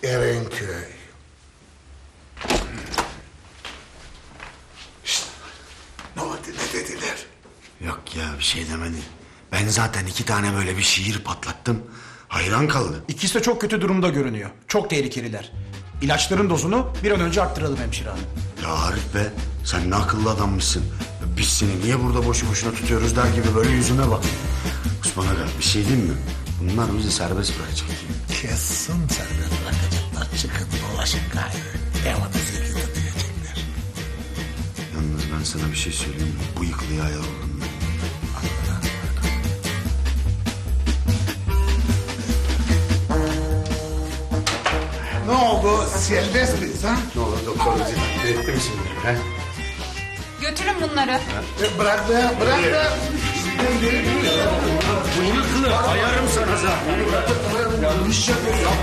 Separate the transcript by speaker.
Speaker 1: Erenköy. Şşt! Ne oldu, ne dediler?
Speaker 2: Yok ya, bir şey demedi. Ben zaten 2 tane böyle bir şiir patlattım. Hayran kaldı.
Speaker 3: İkisi de çok kötü durumda görünüyor. Çok tehlikeliler. İlaçların dozunu bir an önce arttıralım hemşire hanım.
Speaker 2: Ya Arif be, sen ne akıllı adammışsın. Biz seni niye burada boşu boşuna tutuyoruz der gibi böyle yüzüme bak. Osman Aga, bir şey diyeyim mi? Bunlar bizi serbest bırakacak.
Speaker 1: Kesin serbest bırakacaklar. Çıkın dolaşın gayrı. Evanızı yıkıtı diyecekler.
Speaker 2: Yalnız ben sana bir şey söyleyeyim mi? Bu yıkılıya ayarladım ben.
Speaker 1: Ne oldu? Serbest miyiz ha?
Speaker 2: Ne olur doktor bizi takdir etti mi şimdi? He?
Speaker 4: Götürün bunları.
Speaker 1: Bırak be, bırak be.
Speaker 2: Bu yıkılı ayarım sana zaten.